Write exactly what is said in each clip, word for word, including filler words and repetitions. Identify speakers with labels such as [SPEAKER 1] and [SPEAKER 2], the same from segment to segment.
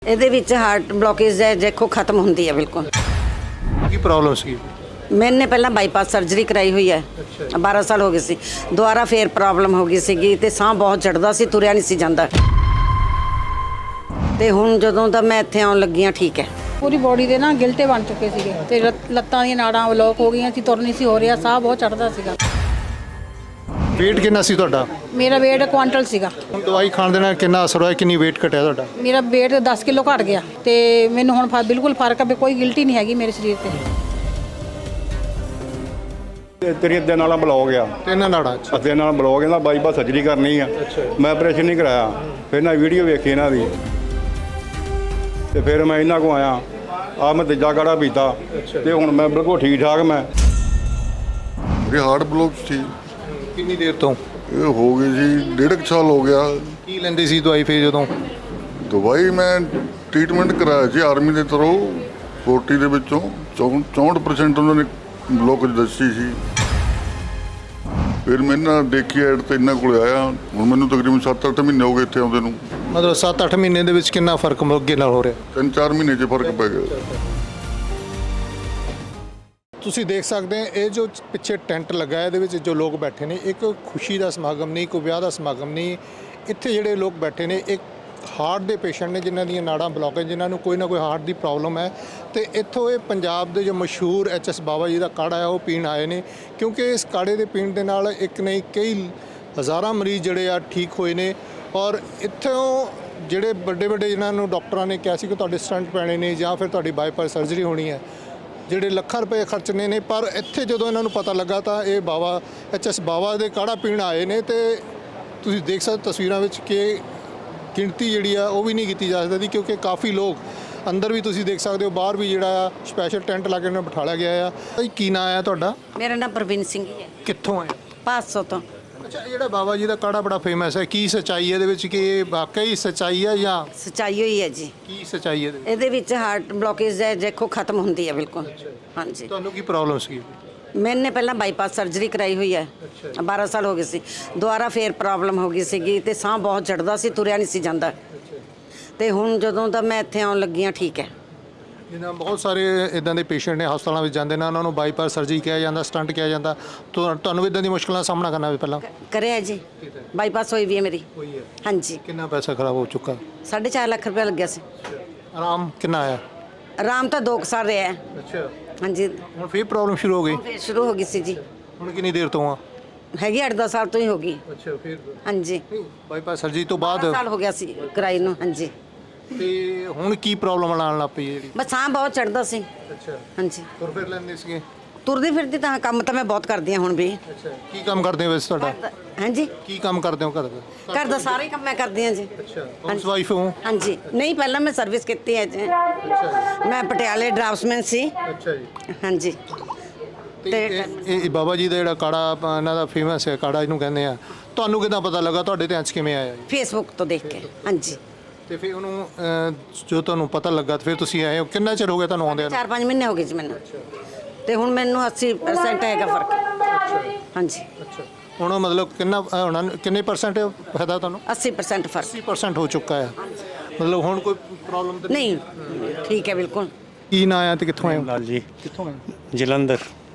[SPEAKER 1] ਇਹਦੇ ਵਿੱਚ heart blockage ਹੈ, ਦੇਖੋ ਖਤਮ ਹੁੰਦੀ ਹੈ ਬਿਲਕੁਲ।
[SPEAKER 2] ਕੀ ਪ੍ਰੋਬਲਮ ਸੀ?
[SPEAKER 1] मैंने पहला बाईपास सर्जरी कराई हुई है, बारह साल हो गए सी। दोबारा फिर प्रॉब्लम हो गई सी ते साह बहुत चढ़दा सी, तुरिया नहीं सी जांदा। ते हुण जदों दा मैं इत्थे आउण लगी हां ठीक है।
[SPEAKER 3] पूरी बॉडी दे ना गिलटे बन चुके सीगे ते लत्तां दी नाड़ां ब्लॉक हो गईयां सी, तुर नहीं सी हो रिहा, साह बहुत चढ़दा सीगा।
[SPEAKER 2] वेट कितना सी तुहाडा?
[SPEAKER 3] मेरा वेट क्वांटल सीगा।
[SPEAKER 2] ਹੁਣ ਦਵਾਈ ਖਾਣ ਦੇ ਨਾਲ ਕਿੰਨਾ ਅਸਰ ਹੋਇਆ, ਕਿੰਨੀ weight ਘਟਿਆ ਤੁਹਾਡਾ?
[SPEAKER 3] मेरा वेट दस किलो घट गया ते मैनूं हुण फा- बिल्कुल फर्क है, कोई गिल्टी नहीं हैगी मेरे शरीर ते।
[SPEAKER 4] ਤੇਰੀ ਅੱਧੇ ਨਾਲ ਬਲੌਕ ਆ,
[SPEAKER 2] ਤਿੰਨ ਨਾੜਾਂ ਚ।
[SPEAKER 4] ਅੱਧੇ ਨਾਲ ਬਲੌਕ ਇਹਦਾ ਬਾਈਪਾਸ ਸਰਜਰੀ ਕਰਨੀ ਆ। ਮੈਂ ਆਪਰੇਸ਼ਨ ਨਹੀਂ ਕਰਾਇਆ, ਫਿਰ ਨਾ ਵੀਡੀਓ ਵੇਖੀ ਇਹਨਾਂ ਦੀ ਤੇ ਫਿਰ ਮੈਂ ਇਹਨਾਂ ਕੋ ਆਇਆ। ਆ ਮੈਂ ਤੀਜਾ ਕਾੜਾ ਪੀਤਾ ਤੇ ਹੁਣ ਮੈਂ ਬਿਲਕੁਲ ਠੀਕ ਠਾਕ। ਮੈਂ
[SPEAKER 5] ਮੇਰੇ ਹਾਰਟ ਬਲੌਕ ਸੀ।
[SPEAKER 2] ਕਿੰਨੀ ਦੇਰ ਤੋਂ?
[SPEAKER 5] ਇਹ ਹੋ ਗਈ ਜੀ ਡੇਢ ਕੁ ਸਾਲ ਹੋ ਗਿਆ।
[SPEAKER 2] ਕੀ ਲੈਂਦੇ ਸੀ ਦਵਾਈ ਫੇਰ ਜਦੋਂ?
[SPEAKER 5] ਦਵਾਈ ਮੈਂ ਟ੍ਰੀਟਮੈਂਟ ਕਰਾਇਆ ਜੀ ਆਰਮੀ ਦੇ ਤਰੋਂ। ਚਾਲੀ ਦੇ ਵਿੱਚੋਂ ਚੌਂਹਠ ਪਰਸੈਂਟ ਉਹਨਾਂ ਨੇ ਬਲੌਕ ਦੱਸੀ ਸੀ। ਫਿਰ ਮੈਂ ਨਾ ਦੇਖੀ ਐਡ ਤੇ ਇਹਨਾਂ ਕੋਲ ਆਇਆ। ਹੁਣ ਮੈਨੂੰ ਤਕਰੀਬਨ ਸੱਤ ਅੱਠ ਮਹੀਨੇ ਹੋ ਗਏ ਇੱਥੇ ਆਉਂਦੇ ਨੂੰ।
[SPEAKER 2] ਮਤਲਬ ਸੱਤ ਅੱਠ ਮਹੀਨੇ ਦੇ ਵਿੱਚ ਕਿੰਨਾ ਫਰਕ ਅੱਗੇ ਨਾਲ ਹੋ ਰਿਹਾ?
[SPEAKER 5] ਤਿੰਨ ਚਾਰ ਮਹੀਨੇ 'ਚ ਫਰਕ ਪੈ ਗਿਆ।
[SPEAKER 2] ਤੁਸੀਂ ਦੇਖ ਸਕਦੇ ਹੋ ਇਹ ਜੋ ਪਿੱਛੇ ਟੈਂਟ ਲੱਗਾ ਹੈ, ਇਹਦੇ ਵਿੱਚ ਜੋ ਲੋਕ ਬੈਠੇ ਨੇ, ਇੱਕ ਖੁਸ਼ੀ ਦਾ ਸਮਾਗਮ ਨਹੀਂ, ਕੋਈ ਵਿਆਹ ਦਾ ਸਮਾਗਮ ਨਹੀਂ। ਇੱਥੇ ਜਿਹੜੇ ਲੋਕ ਬੈਠੇ ਨੇ ਇੱਕ ਹਾਰਟ ਦੇ ਪੇਸ਼ੈਂਟ ਨੇ, ਜਿਨ੍ਹਾਂ ਦੀਆਂ ਨਾੜਾਂ ਬਲੌਕ ਹੈ, ਜਿਨ੍ਹਾਂ ਨੂੰ ਕੋਈ ਨਾ ਕੋਈ ਹਾਰਟ ਦੀ ਪ੍ਰੋਬਲਮ ਹੈ। ਤੇ ਇੱਥੋਂ ਇਹ ਪੰਜਾਬ ਦੇ ਜੋ ਮਸ਼ਹੂਰ ਐਚ ਐਸ ਬਾਬਾ ਜੀ ਦਾ ਕਾੜਾ ਹੈ ਉਹ ਪੀਣ ਆਏ ਨੇ, ਕਿਉਂਕਿ ਇਸ ਕਾੜੇ ਦੇ ਪੀਣ ਦੇ ਨਾਲ ਇੱਕ ਨਹੀਂ ਕਈ ਹਜ਼ਾਰਾਂ ਮਰੀਜ਼ ਜਿਹੜੇ ਆ ਠੀਕ ਹੋਏ ਨੇ। ਔਰ ਇੱਥੋਂ ਜਿਹੜੇ ਵੱਡੇ ਵੱਡੇ ਜਿਨ੍ਹਾਂ ਨੂੰ ਡਾਕਟਰਾਂ ਨੇ ਕਿਹਾ ਸੀ ਕਿ ਤੁਹਾਡੇ ਸਟੰਟ ਪੈਣੇ ਨੇ ਜਾਂ ਫਿਰ ਤੁਹਾਡੀ ਬਾਈਪਾਸ ਸਰਜਰੀ ਹੋਣੀ ਹੈ, ਜਿਹੜੇ ਲੱਖਾਂ ਰੁਪਏ ਖਰਚਣੇ ਨੇ, ਪਰ ਇੱਥੇ ਜਦੋਂ ਇਹਨਾਂ ਨੂੰ ਪਤਾ ਲੱਗਾ ਤਾਂ ਇਹ ਬਾਬਾ ਐਚ ਐਸ ਬਾਬਾ ਦੇ ਕਾੜਾ ਪੀਣ ਆਏ ਨੇ। ਤੇ ਤੁਸੀਂ ਦੇਖ ਸਕਦੇ ਤਸਵੀਰਾਂ ਵਿੱਚ ਕਿ ਗਿਣਤੀ ਜਿਹੜੀ ਆ ਉਹ ਵੀ ਨਹੀਂ ਕੀਤੀ ਜਾ ਸਕਦੀ, ਕਿਉਂਕਿ ਕਾਫੀ ਲੋਕ ਅੰਦਰ ਵੀ ਤੁਸੀਂ ਦੇਖ ਸਕਦੇ ਹੋ, ਬਾਹਰ ਵੀ ਜਿਹੜਾ ਆ ਸਪੈਸ਼ਲ ਟੈਂਟ ਲਾ ਕੇ ਉਹਨਾਂ ਨੂੰ ਬਿਠਾਇਆ ਗਿਆ ਆ। ਭਾਈ ਕੀ ਨਾਂ ਆ ਤੁਹਾਡਾ?
[SPEAKER 1] मेरा नाम प्रवीण सिंह है,
[SPEAKER 2] ਕਿੱਥੋਂ ਆਏ?
[SPEAKER 1] पाँच सौ तो।
[SPEAKER 2] ਅੱਛਾ, ਇਹ ਜਿਹੜਾ ਬਾਬਾ ਜੀ ਦਾ ਕਾੜਾ ਬੜਾ ਫੇਮਸ ਹੈ, ਕੀ ਸੱਚਾਈ ਹੈ ਇਹਦੇ ਵਿੱਚ? ਕਿ ਇਹ ਵਾਕਈ ਸੱਚਾਈ ਹੈ ਜਾਂ
[SPEAKER 1] सच्चाई हुई है जी।
[SPEAKER 2] ਕੀ ਸੱਚਾਈ ਹੈ ਇਹਦੇ ਵਿੱਚ?
[SPEAKER 1] ਇਹਦੇ ਵਿੱਚ ਹਾਰਟ ਬਲੋਕੇਜ ਹੈ, ਦੇਖੋ ਖਤਮ ਹੁੰਦੀ ਹੈ ਬਿਲकुल। हाँ जी,
[SPEAKER 2] ਤੁਹਾਨੂੰ ਕੀ ਪ੍ਰੋਬਲਮ ਸੀ?
[SPEAKER 1] मैंने पहला बाईपास सर्जरी कराई हुई है, बारह साल हो गए सी। दोबारा फिर प्रॉब्लम हो गई सी ते साह बहुत चढ़दा सी, तुरिया नहीं सी जांदा। ते हुण जदों दा मैं इत्थे आउण लगी हां ठीक है।
[SPEAKER 2] ਜਿਨ੍ਹਾਂ ਬਹੁਤ ਸਾਰੇ ਇਦਾਂ ਦੇ ਪੇਸ਼ੈਂਟ ਨੇ ਹਸਪਤਾਲਾਂ ਵਿੱਚ ਜਾਂਦੇ ਨੇ, ਉਹਨਾਂ ਨੂੰ ਬਾਈਪਾਸ ਸਰਜਰੀ ਕਿਹਾ ਜਾਂਦਾ, ਸਟੰਟ ਕਿਹਾ ਜਾਂਦਾ। ਤੁਹਾ- ਤੁਹਾਨੂੰ ਇਦਾਂ ਦੀ ਮੁਸ਼ਕਲਾਂ ਦਾ ਸਾਹਮਣਾ ਕਰਨਾ ਵੀ ਪਹਿਲਾਂ
[SPEAKER 1] करें जी, बाईपास हुई भी है मेरी।
[SPEAKER 2] ਹੋਈ ਹੈ?
[SPEAKER 1] हाँ जी,
[SPEAKER 2] ਕਿੰਨਾ ਪੈਸਾ ਖਰਾਬ ਹੋ ਚੁੱਕਾ?
[SPEAKER 1] साढ़े चार लाख रुपया लग गया सी।
[SPEAKER 2] ਆਰਾਮ ਕਿੰਨਾ ਆਇਆ?
[SPEAKER 1] आराम तो दो कुछ साल रहा है।
[SPEAKER 2] ਅੱਛਾ,
[SPEAKER 1] हाँ जी,
[SPEAKER 2] ਹੁਣ ਫਿਰ ਪ੍ਰੋਬਲਮ ਸ਼ੁਰੂ ਹੋ ਗਈ।
[SPEAKER 1] फिर शुरू हो गई सी जी,
[SPEAKER 2] ਹੁਣ ਕਿੰਨੀ ਦੇਰ ਤੋਂ ਆ?
[SPEAKER 1] हैगी आठ दस साल तो ही होगी।
[SPEAKER 2] ਅੱਛਾ, ਫਿਰ
[SPEAKER 1] हाँ जी,
[SPEAKER 2] ਬਾਈਪਾਸ ਸਰਜਰੀ ਤੋਂ
[SPEAKER 1] बारह
[SPEAKER 2] ਬਾਅਦ
[SPEAKER 1] साल हो गया सी कराई नूं। हाँ जी,
[SPEAKER 2] ਤੇ ਹੁਣ ਕੀ ਪ੍ਰੋਬਲਮ ਆਉਣ ਲੱਗ ਪਈ ਜਿਹੜੀ?
[SPEAKER 1] बस साह बहुत चढ़दा सी।
[SPEAKER 2] ਅੱਛਾ,
[SPEAKER 1] हाँ जी,
[SPEAKER 2] ਤੁਰ ਫਿਰ ਲੈਂਦੇ ਸੀਗੇ?
[SPEAKER 1] ਤੁਰਦੀ ਫਿਰਦੀ ਤਾਂ ਕੰਮ ਤਾਂ ਮੈਂ ਬਹੁਤ ਕਰਦੀ ਹਾਂ ਹੁਣ ਵੀ।
[SPEAKER 2] ਅੱਛਾ, ਕੀ ਕੰਮ ਕਰਦੇ ਹੋ ਵੈਸੇ ਤੁਹਾਡਾ?
[SPEAKER 1] हाँ जी,
[SPEAKER 2] ਕੀ ਕੰਮ ਕਰਦੇ ਹੋ ਘਰ ਦਾ?
[SPEAKER 1] ਘਰ ਦਾ ਸਾਰੇ ਕੰਮ ਮੈਂ ਕਰਦੀ ਹਾਂ ਜੀ।
[SPEAKER 2] ਅੱਛਾ, ਹਾਊਸ ਵਾਈਫ ਹੋ?
[SPEAKER 1] हाँ जी, नहीं ਪਹਿਲਾਂ ਮੈਂ ਸਰਵਿਸ ਕੀਤੀ ਹੈ ਜੀ।
[SPEAKER 2] ਅੱਛਾ
[SPEAKER 1] ਮੈਂ ਪਟਿਆਲੇ ਡਰਾਫਟਸਮੈਨ ਸੀ।
[SPEAKER 2] ਅੱਛਾ ਜੀ।
[SPEAKER 1] हाँ जी,
[SPEAKER 2] ਤੇ ਇਹ ਇਹ ਬਾਬਾ ਜੀ ਦਾ ਜਿਹੜਾ ਕਾੜਾ ਆਪਾਂ ਇਹਨਾਂ ਦਾ ਫੇਮਸ ਹੈ ਕਾੜਾ, ਇਹਨੂੰ ਕਹਿੰਦੇ ਆ, ਤੁਹਾਨੂੰ ਕਿੱਦਾਂ ਪਤਾ ਲੱਗਾ? ਤੁਹਾਡੇ ਧਿਆਨ 'ਚ ਕਿਵੇਂ ਆਇਆ ਜੀ?
[SPEAKER 1] ਫੇਸਬੁੱਕ ਤੋਂ ਦੇਖ ਕੇ। हाँ जी,
[SPEAKER 2] ਤੇ ਫਿਰ ਉਹਨੂੰ ਅਹ, ਜੋ ਤੁਹਾਨੂੰ ਪਤਾ ਲੱਗਾ ਤੇ ਫਿਰ ਤੁਸੀਂ ਆਏ ਹੋ, ਕਿੰਨਾ ਚਿਰ ਹੋ ਗਿਆ ਤੁਹਾਨੂੰ ਆਉਂਦੇ?
[SPEAKER 1] ਚਾਰ ਪੰਜ ਮਹੀਨੇ ਹੋ ਗਏ ਜੀ ਮੈਨੂੰ। ਤੇ ਹੁਣ ਮੈਨੂੰ ਅੱਸੀ ਪਰਸੈਂਟ ਹੈਗਾ ਫਰਕ। हाँ जी,
[SPEAKER 2] ਅੱਛਾ, ਹੁਣ ਮਤਲਬ ਕਿੰਨਾ ਅਹ, ਹੁਣ ਕਿੰਨੇ ਪਰਸੈਂਟ ਫਾਇਦਾ ਤੁਹਾਨੂੰ?
[SPEAKER 1] अस्सी परसेंट फर्क।
[SPEAKER 2] अस्सी परसेंट ਹੋ ਚੁੱਕਾ ਹੈ, ਮਤਲਬ ਹੁਣ ਕੋਈ ਪ੍ਰੋਬਲਮ ਤਾਂ
[SPEAKER 1] नहीं ठीक है बिल्कुल।
[SPEAKER 2] ਕੀ ਨਾਂ ਆਇਆ ਤੇ ਕਿੱਥੋਂ ਆਏ ਹੋ?
[SPEAKER 6] ਲਾਲ ਜੀ
[SPEAKER 2] ਕਿੱਥੋਂ ਆਏ?
[SPEAKER 6] ਜਲੰਧਰ।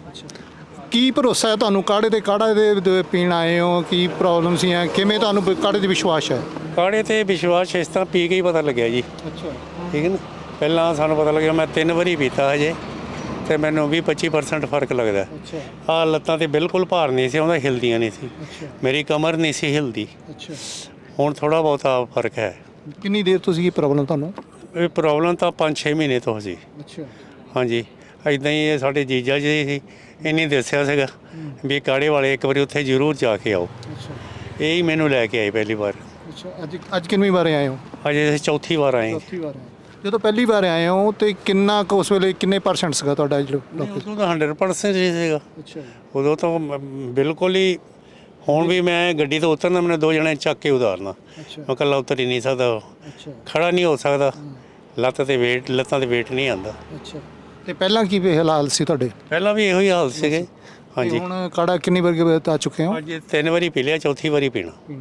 [SPEAKER 2] ਕੀ ਭਰੋਸਾ ਹੈ ਤੁਹਾਨੂੰ ਕਾੜੇ ਤੇ? ਕਾੜਾ ਦੇ ਦੇ ਪੀਣ ਆਏ ਹੋ, ਕੀ ਪ੍ਰੋਬਲਮ ਸੀ? ਕਿਵੇਂ ਤੁਹਾਨੂੰ ਕਾੜੇ ਤੇ ਵਿਸ਼ਵਾਸ ਹੈ?
[SPEAKER 6] ਕਾੜੇ ਤੇ ਵਿਸ਼ਵਾਸ ਇਸ ਤਰ੍ਹਾਂ ਪੀ ਕੇ ਹੀ ਪਤਾ ਲੱਗਿਆ ਜੀ।
[SPEAKER 2] ਅੱਛਾ,
[SPEAKER 6] ਠੀਕ ਹੈ ਨਾ, ਪਹਿਲਾਂ ਸਾਨੂੰ ਪਤਾ ਲੱਗਿਆ, ਮੈਂ ਤਿੰਨ ਵਾਰੀ ਪੀਤਾ ਹਜੇ ਤੇ ਮੈਨੂੰ ਵੀਹ ਪੱਚੀ ਪਰਸੈਂਟ ਫਰਕ ਲੱਗਦਾ।
[SPEAKER 2] ਅੱਛਾ,
[SPEAKER 6] ਆਹ ਲੱਤਾਂ ਤੇ ਬਿਲਕੁਲ ਭਾਰ ਨਹੀਂ ਸੀ ਆਉਂਦਾ, ਹਿਲਦੀਆਂ ਨਹੀਂ ਸੀ, ਮੇਰੀ ਕਮਰ ਨਹੀਂ ਸੀ ਹਿਲਦੀ।
[SPEAKER 2] ਅੱਛਾ।
[SPEAKER 6] ਹੁਣ ਥੋੜਾ ਬਹੁਤਾ ਫਰਕ ਹੈ।
[SPEAKER 2] ਕਿੰਨੀ ਦੇਰ ਤੋਂ ਸੀ ਪ੍ਰੋਬਲਮ ਤੁਹਾਨੂੰ?
[SPEAKER 6] ਇਹ ਪ੍ਰੋਬਲਮ ਤਾਂ ਪੰਜ ਛੇ ਮਹੀਨੇ ਤੋਂ ਸੀ।
[SPEAKER 2] ਅੱਛਾ,
[SPEAKER 6] ਹਾਂਜੀ, ਇੱਦਾਂ ਹੀ ਇਹ ਸਾਡੇ ਜੀਜਾ ਜੀ ਸੀ, ਇਹਨੇ ਦੱਸਿਆ ਸੀਗਾ ਵੀ ਕਾੜੇ ਵਾਲੇ ਇੱਕ ਵਾਰੀ ਉੱਥੇ ਜ਼ਰੂਰ ਜਾ ਕੇ ਆਓ।
[SPEAKER 2] ਅੱਛਾ,
[SPEAKER 6] ਇਹ ਹੀ ਮੈਨੂੰ ਲੈ ਕੇ ਆਏ ਪਹਿਲੀ ਵਾਰ।
[SPEAKER 2] ਅੱਛਾ। ਅੱਜ ਅੱਜ ਕਿੰਨੀ ਵਾਰ ਆਏ ਹੋ?
[SPEAKER 6] ਅਜੇ ਅਸੀਂ ਚੌਥੀ ਵਾਰ ਆਏ।
[SPEAKER 2] ਚੌਥੀ ਵਾਰ ਆਏ। ਜਦੋਂ ਪਹਿਲੀ ਵਾਰ ਆਏ ਹੋ ਤੇ ਕਿੰਨਾ ਕੁ ਉਸ ਵੇਲੇ ਕਿੰਨੇ ਪਰਸੈਂਟ ਸੀਗਾ ਤੁਹਾਡਾ ਜਿਹੜਾ?
[SPEAKER 6] ਉਦੋਂ ਤਾਂ ਹੰਡਰਡ ਪਰਸੈਂਟ ਹੀ ਸੀਗਾ।
[SPEAKER 2] ਅੱਛਾ,
[SPEAKER 6] ਉਦੋਂ ਤਾਂ ਮ- ਬਿਲਕੁਲ ਹੀ। ਹੁਣ ਵੀ ਮੈਂ ਗੱਡੀ ਤੋਂ ਉਤਰਨਾ, ਮੈਨੂੰ ਦੋ ਜਣੇ ਚੱਕ ਕੇ ਉਤਾਰਨਾ,
[SPEAKER 2] ਅੱਛਾ,
[SPEAKER 6] ਮੈਂ ਇਕੱਲਾ ਉਤਰ ਹੀ ਨਹੀਂ ਸਕਦਾ,
[SPEAKER 2] ਅੱਛਾ,
[SPEAKER 6] ਖੜਾ ਨਹੀਂ ਹੋ ਸਕਦਾ, ਲੱਤ ਤੇ ਵੇਟ ਲੱਤਾਂ ਤੇ ਵੇਟ ਨਹੀਂ ਆਉਂਦਾ।
[SPEAKER 2] ਅੱਛਾ। ਤੇ ਪਹਿਲਾਂ ਕੀ ਹਾਲਾਤ ਸੀ ਤੁਹਾਡੇ?
[SPEAKER 6] ਪਹਿਲਾਂ ਵੀ ਇਹੋ ਹੀ ਹਾਲ ਸੀਗੇ। ਹਾਂਜੀ,
[SPEAKER 2] ਹੁਣ ਕਾੜਾ ਕਿੰਨੀ ਵਾਰ ਆ ਚੁੱਕੇ ਹੋ?
[SPEAKER 6] ਅੱਜ ਤਿੰਨ ਵਾਰੀ ਪੀ ਲਿਆ, ਚੌਥੀ ਵਾਰੀ ਪੀਣਾ।
[SPEAKER 2] ਪੀਣਾ